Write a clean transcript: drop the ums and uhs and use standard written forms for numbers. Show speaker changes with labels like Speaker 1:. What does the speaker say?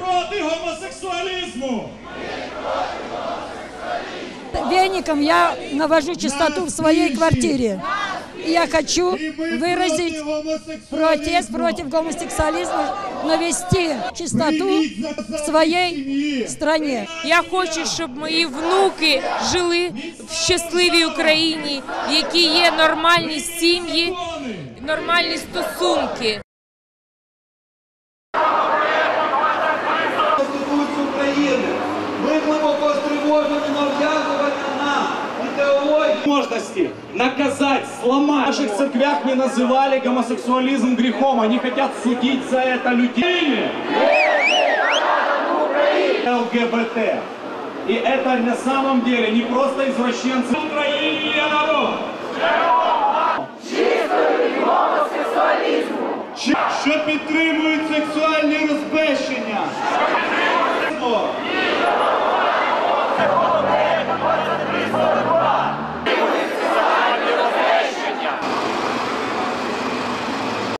Speaker 1: проти гомосексуалізму!
Speaker 2: Веником я навожу чистоту в своей квартире. И я хочу выразить протест против гомосексуализма, навести чистоту в своей стране.
Speaker 3: Я хочу, щоб мої внуки жили в щасливій Україні, в якій є нормальні сім'ї, нормальні стосунки.
Speaker 4: Конституцію України. Ми глибоко стривожені нав'язування нам ідеології.
Speaker 1: Возможности наказать, сломать. В наших церквях не называли гомосексуализм грехом. Они хотят судить за это людей. ЛГБТ. И это на самом деле не просто извращенцы. В Украине я народ.
Speaker 4: Чистої гомосексуалізму.
Speaker 1: Що підтримують сексуальні розбещення.